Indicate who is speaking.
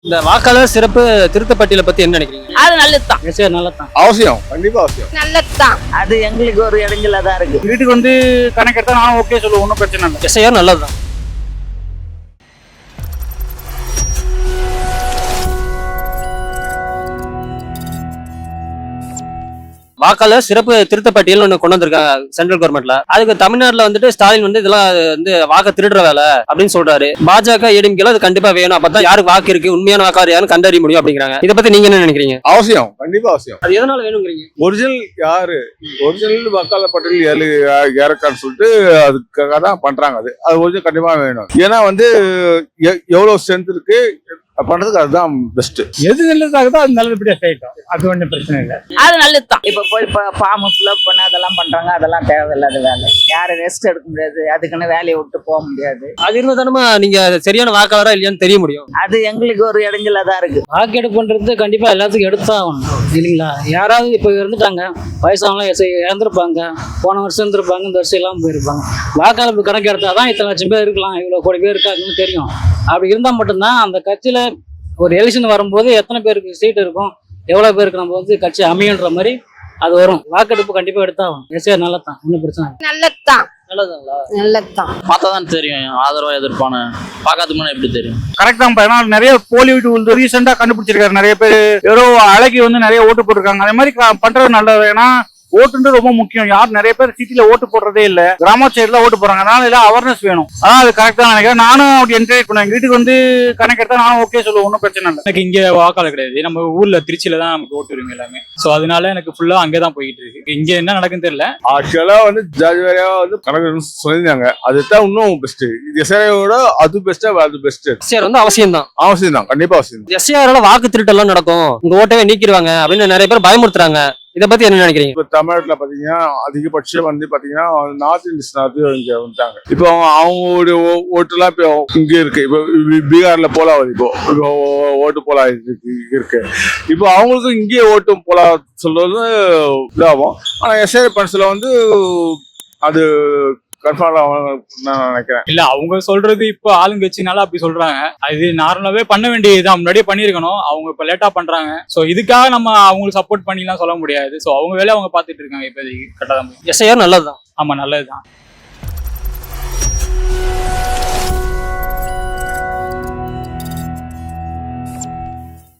Speaker 1: இந்த வாக்காளர் சிறப்பு திருத்த பட்டியலை பத்தி என்ன நினைக்கிறீங்க?
Speaker 2: அது நல்லதுதான்.
Speaker 1: சரி, நல்லதான்.
Speaker 3: அவசியம், கண்டிப்பா அவசியம்.
Speaker 2: நல்லதுதான். அது எங்களுக்கு ஒரு இடைஞ்சலா தான் இருக்கு.
Speaker 4: வீட்டுக்கு வந்து கணக்கெடுத்தா நானும் ஓகே சொல்லுவேன், ஒன்றும் பிரச்சனை இல்லை.
Speaker 1: எஸ்ஐஆர் நல்லதுதான். வாக்காளர் சிறப்பு திருத்த பட்டியல் ஒண்ணு கொண்டு வந்திருக்காங்க சென்ட்ரல் கவர்மெண்ட்ல. அதுக்கு தமிழ்நாட்டுல வந்துட்டு ஸ்டாலின் வந்து இதெல்லாம் வந்து வாக்கு திருடுற வேலை அப்படின்னு சொல்றாரு. பாஜக ஏடிஎம்கேல அது கண்டிப்பா வேணும், அப்பதான் யாருக்கு வாக்கு இருக்கு, உண்மையான வாக்காளர் யாருன்னு கண்டறிய முடியும் அப்படிங்கிறாங்க. இதை பத்தி நீங்க என்ன நினைக்கிறீங்க?
Speaker 3: அவசியம், கண்டிப்பா அவசியம்.
Speaker 1: அது எதனால வேணுங்கிறீங்க?
Speaker 3: ஒரிஜினல் யாரு, ஒரிஜினல் வாக்காளர் பட்டியல் யாருக்கான்னு சொல்லிட்டு அதுக்காக தான் பண்றாங்க. அது ஒரிஜினல் கண்டிப்பா வேணும். ஏன்னா வந்து எவ்வளவு ஸ்ட்ரென்த் இருக்கு பண்றதுக்கு அதுதான் பெஸ்ட்.
Speaker 4: எது நல்லதாகுதோ அது நல்லபடியா செய்யட்டும், அது ஒன்றும் பிரச்சனை இல்லை.
Speaker 2: அது நல்லதுதான். இப்ப போய் ஃபார்ம் ஃபில்அப் பண்ண அதெல்லாம் பண்றாங்க, அதெல்லாம் தேவையில்லாத வேலை. யாரும் ரெஸ்ட் எடுக்க முடியாது, அதுக்குன்னு வேலையை விட்டு போக முடியாது.
Speaker 1: அது இருந்தா தானே நீங்க சரியான வாக்காளரா இல்லையான்னு தெரிய முடியும்.
Speaker 2: அது எங்களுக்கு ஒரு இடைஞ்சலா தான் இருக்கு.
Speaker 5: வாக்கெடுப்புன்றது கண்டிப்பா எல்லாத்துக்கும் எடுத்துதான் ஆகணும் இல்லைங்களா? யாராவது இப்போ இருந்துட்டாங்க, வயசானவங்க இறந்துருப்பாங்க, போன வருஷம் இருந்திருப்பாங்க, இந்த வருஷம் இல்லாமல் போயிருப்பாங்க. வாக்காளர் கணக்கு எடுத்தால் தான் இத்தனை லட்சம் பேர் இருக்கலாம், இவ்வளோ கோடி பேர் இருக்காங்கன்னு தெரியும். அப்படி இருந்தால் மட்டும்தான் அந்த கட்சியில் ஒரு எலெக்ஷன் வரும்போது எத்தனை பேருக்கு சீட் இருக்கும், எவ்வளோ பேருக்கு நம்ம வந்து கட்சி அமையன்ற மாதிரி அது வரும். வாக்கெடுப்பு கண்டிப்பாக எடுத்தாகும். எஸ்ஆர் நல்லதான், ஒன்றும் பிரச்சனை இல்லை.
Speaker 2: நல்லதுதான்.
Speaker 5: நல்லதுங்களா?
Speaker 2: நல்லதுதான்.
Speaker 6: பார்த்தா தான் தெரியும் ஆதரவா எதிர்ப்பானு. பார்க்காத முன்னாடி எப்படி தெரியும்?
Speaker 4: கரெக்ட் தான். ஏன்னா நிறைய போலி ஓட்டு ரீசெண்டா கண்டுபிடிச்சிருக்காரு. நிறைய பேர் ஏதோ அழகி வந்து நிறைய ஓட்டு போட்டிருக்காங்க. அதே மாதிரி பண்றது நல்லது. ஏன்னா ஓட்டுன்றது ரொம்ப முக்கியம். யாரும் நிறைய பேர் சிட்டில ஓட்டு போடுறதே இல்ல, கிராம சைடுல ஓட்டு போறாங்க. அதனால எல்லாம் அவேர்னஸ் வேணும். அதான் அது கரெக்டா நினைக்கிறேன். நானும் அப்படி என்கரேஜ் பண்ணுவேன். வீட்டுக்கு வந்து கணக்கெடுத்தா நானும் ஓகே சொல்லுவேன், ஒன்றும் பிரச்சனை இல்லை.
Speaker 7: எனக்கு இங்க வாக்காளர் கிடையாது. நம்ம ஊர்ல திருச்சியில தான் நமக்கு ஓட்டு உரிமை எல்லாமே. சோ அதனால எனக்கு ஃபுல்லா அங்கதான் போயிட்டு இருக்கு. இங்க என்ன நடக்குன்னு தெரியல.
Speaker 3: ஆக்சுவலா வந்து ஜாதி வேறையா வந்து கணக்கு சொல்லியிருந்தாங்க. அதுதான் இன்னும் பெஸ்ட். எஸ்ஐஆரோட அது பெஸ்டா, அது பெஸ்ட்.
Speaker 1: எஸ்ஐஆர் வந்து அவசியம் தான்.
Speaker 3: அவசியம் தான், கண்டிப்பா அவசியம்.
Speaker 1: எஸ்ஐஆரால வாக்கு திருட்டெல்லாம் நடக்கும், உங்க ஓட்டவே நீக்கிடுவாங்க அப்படின்னு நிறைய பேர் பயமுறுத்துறாங்க. இதை பத்தி என்ன நினைக்கிறீங்க?
Speaker 3: இப்ப தமிழ்நாட்டுல பாத்தீங்கன்னா அதிகபட்சம் வந்து பாத்தீங்கன்னா நார்த் இந்தியன்ஸ் இங்க வந்துட்டாங்க. இப்போ அவங்களுடைய ஓட்டு எல்லாம் இப்போ இங்க இருக்கு. இப்போ பீகார்ல போலா வருது. இப்போ ஓட்டு போலா இருக்கு. இப்போ அவங்களுக்கு இங்கேயே ஓட்டு போலா சொல்றது இதாகும். ஆனா எஸ்ஐஆர் பண்ஸ்ல வந்து அது கன்ஃபார்ம் நான் நினைக்கிறேன்.
Speaker 7: இல்ல அவங்க சொல்றது இப்ப ஆளுங்கட்சினால அப்படி சொல்றாங்க. அது நார்மலாவே பண்ண வேண்டியதுதான், முன்னாடியே பண்ணிருக்கணும். அவங்க இப்ப லேட்டா பண்றாங்க. சோ இதுக்காக நம்ம அவங்களுக்கு சப்போர்ட் பண்ணிலாம் சொல்ல முடியாது. சோ அவங்க வேலையை அவங்க பாத்துட்டு இருக்காங்க. இப்போதைக்கு கரெக்டா தான்.
Speaker 1: எஸ்ஐஆர் நல்லதுதான்.
Speaker 7: ஆமா, நல்லதுதான்.